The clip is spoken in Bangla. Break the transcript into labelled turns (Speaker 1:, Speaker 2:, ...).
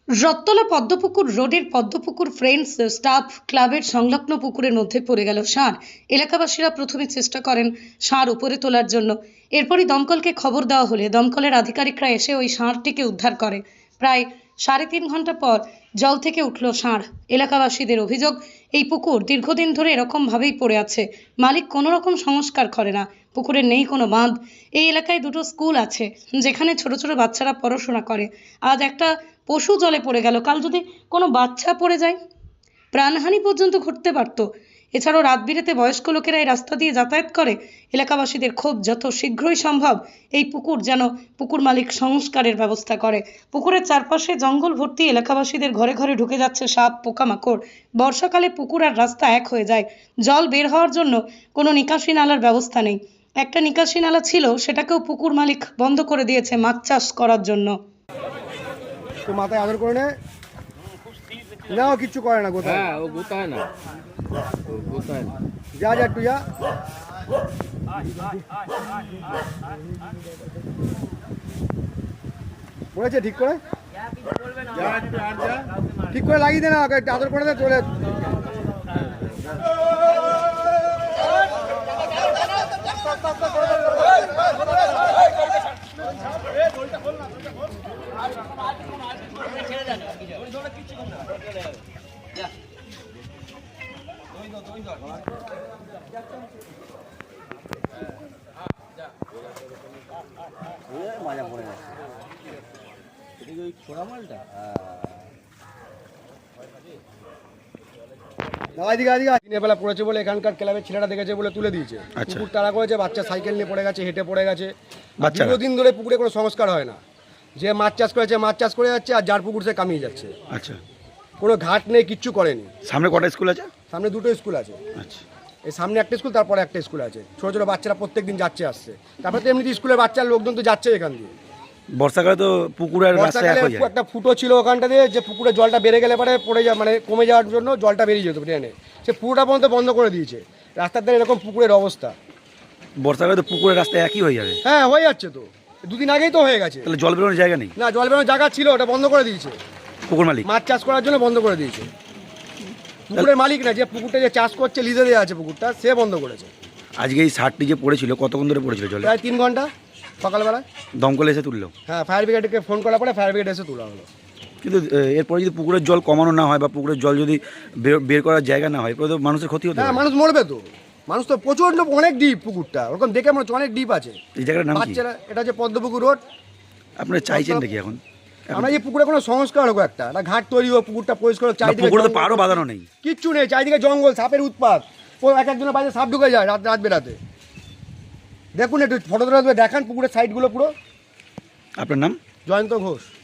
Speaker 1: রত্তলা পদ্মপুকুর রোডের পদ্মপুকুর ফ্রেন্ডস স্টাফ ক্লাবের সংলগ্ন পুকুরের মধ্যে পড়ে গেল ষাঁড়। এলাকাবাসীরা প্রথমে চেষ্টা করেন ষাঁড় উপরে তোলার জন্য। এরপরই দমকলকে খবর দেওয়া হলে দমকলের আধিকারিকরা এসে ওই ষাঁড়টিকে উদ্ধার করে। প্রায় 3.5 ঘন্টা পর জল থেকে উঠল ষাঁড়। এলাকাবাসীদের অভিযোগ, এই পুকুর দীর্ঘদিন ধরে এরকমভাবেই পড়ে আছে। মালিক কোনো রকম সংস্কার করে না। পুকুরের নেই কোনো বাঁধ। এই এলাকায় দুটো স্কুল আছে যেখানে ছোট ছোট বাচ্চারা পড়াশোনা করে। আজ একটা পশু জলে পড়ে গেল, কাল যদি কোনো বাচ্চা পড়ে যায় প্রাণহানি পর্যন্ত ঘটতে পারত। এছাড়াও রাত বিরেতে বয়স্ক লোকেরা এই রাস্তা দিয়ে যাতায়াত করে। এলাকাবাসীদের ক্ষোভ, যত শীঘ্রই সম্ভব এই পুকুর যেন পুকুর মালিক সংস্কারের ব্যবস্থা করে। পুকুরের চারপাশে জঙ্গল ভর্তি, এলাকাবাসীদের ঘরে ঘরে ঢুকে যাচ্ছে সাপ পোকামাকড়। বর্ষাকালে পুকুর আর রাস্তা এক হয়ে যায়। জল বের হওয়ার জন্য কোনো নিকাশি নালার ব্যবস্থা নেই। একটা নিকাশি নালা ছিল, সেটাকেও পুকুর মালিক বন্ধ করে দিয়েছে মাছ চাষ করার জন্য।
Speaker 2: তো মাথায় আদর করে নে না, ও কিচ্ছু করে না। গোতায়
Speaker 3: হ্যাঁ, ও গোতায় না, ও গোতায় না।
Speaker 2: যা যা একটু যা। পড়েছে ঠিক করে, ঠিক করে লাগিয়ে দে না, একটু আদর করে দে চলে।
Speaker 3: মজা পড়ে গেছে ওই ছোড়া মালটা।
Speaker 2: দিনের বেলা পড়েছে বলে এখানকার ক্লাবের ছেলেরা দেখেছে বলে তুলে দিয়েছে। পুকুর তাড়া করেছে, বাচ্চা সাইকেল নিয়ে পড়ে গেছে, হেঁটে পড়ে গেছে। দীর্ঘদিন ধরে পুকুরে কোনো সংস্কার হয় না। যে মাছ চাষ করেছে মাছ চাষ করে যাচ্ছে, আর যার পুকুর সে কামিয়ে যাচ্ছে।
Speaker 4: আচ্ছা,
Speaker 2: কোনো ঘাট নেই, কিচ্ছু করেনি।
Speaker 4: সামনে কটা স্কুল আছে?
Speaker 2: সামনে দুটো স্কুল আছে।
Speaker 4: আচ্ছা,
Speaker 2: এই সামনে একটা স্কুল, তারপরে একটা স্কুল আছে। ছোটো ছোটো বাচ্চারা প্রত্যেকদিন যাচ্ছে আসছে। তারপরে তো এমনিতে স্কুলের বাচ্চার লোকজন তো যাচ্ছে এখান দিয়ে।
Speaker 4: বর্ষাকালে তো পুকুরের রাস্তা এক হয়ে যায়।
Speaker 2: একটা ফুটো ছিল ওখানটা দিয়ে, যে পুকুরের জলটা বেড়ে গেলে পরে পড়ে যায়, মানে কমে যাওয়ার জন্য জলটা বেরিয়ে যেত ট্রেনে। সে পুরোটা পর্যন্ত বন্ধ করে দিয়েছে। রাস্তার ধারে এরকম পুকুরের অবস্থা।
Speaker 4: বর্ষাকালে তো পুকুরের রাস্তা একই হয়ে যাবে।
Speaker 2: হ্যাঁ, হয়ে যাচ্ছে তো, দুদিন আগেই তো হয়ে গেছে।
Speaker 4: তাহলে জল বেরোনোর জায়গা নেই?
Speaker 2: না, জল বেরোনোর জায়গা ছিল, ওটা বন্ধ করে দিয়েছে
Speaker 4: পুকুর মালিক।
Speaker 2: মাছ চাষ করার জন্য বন্ধ করে দিয়েছে। পুকুরের মালিক না, যে পুকুরটা যে চাষ করছে লিজে দেওয়া আছে পুকুরটা, সে বন্ধ করেছে।
Speaker 4: আজকে এই ষাঁড়টি যে পড়েছিল কতক্ষণ ধরে পড়েছিল জলে?
Speaker 2: প্রায় 3 ঘন্টা সকালবেলায়।
Speaker 4: দমকলে এসে তুললো?
Speaker 2: হ্যাঁ, ফায়ার ব্রিগেডকে ফোন করার পরে ফায়ার ব্রিগেড এসে তোলা হলো।
Speaker 4: কিন্তু এরপরে যদি পুকুরের জল কমানো না হয় বা পুকুরের জল যদি বের করার জায়গা না হয়, এরপরে তো মানুষের ক্ষতি হতে
Speaker 2: হ্যাঁ,
Speaker 4: পারে।
Speaker 2: মানুষ মরবে তো। মানুষ তো প্রচণ্ড, অনেক ডিপ পুকুরটা, ওরকম দেখে মনে হচ্ছে অনেক ডিপ আছে।
Speaker 4: এই জায়গাটার নাম কি?
Speaker 2: বাচ্চারা, এটা হচ্ছে পদ্মপুকুর রোড।
Speaker 4: আপনারা চাইছেন নাকি এখন?
Speaker 2: আমরা যে পুকুরে কোনো সংস্কার হোক, একটা ঘাট তৈরি হোক, পুকুরটা পরিষ্কার হোক। চারিদিকে
Speaker 4: পুকুরে তো
Speaker 2: জঙ্গল,
Speaker 4: পাড়ও বাঁধানো নেই,
Speaker 2: কিচ্ছু নেই। চারিদিকে জঙ্গল, সাপের উৎপাত। এক একজনের বাড়িতে সাপ ঢুকে যায় রাত বেরাতে। দেখুন, একটু ফটো তোলা দেখান পুকুরের সাইডগুলো পুরো।
Speaker 4: আপনার নাম?
Speaker 2: জয়ন্ত ঘোষ।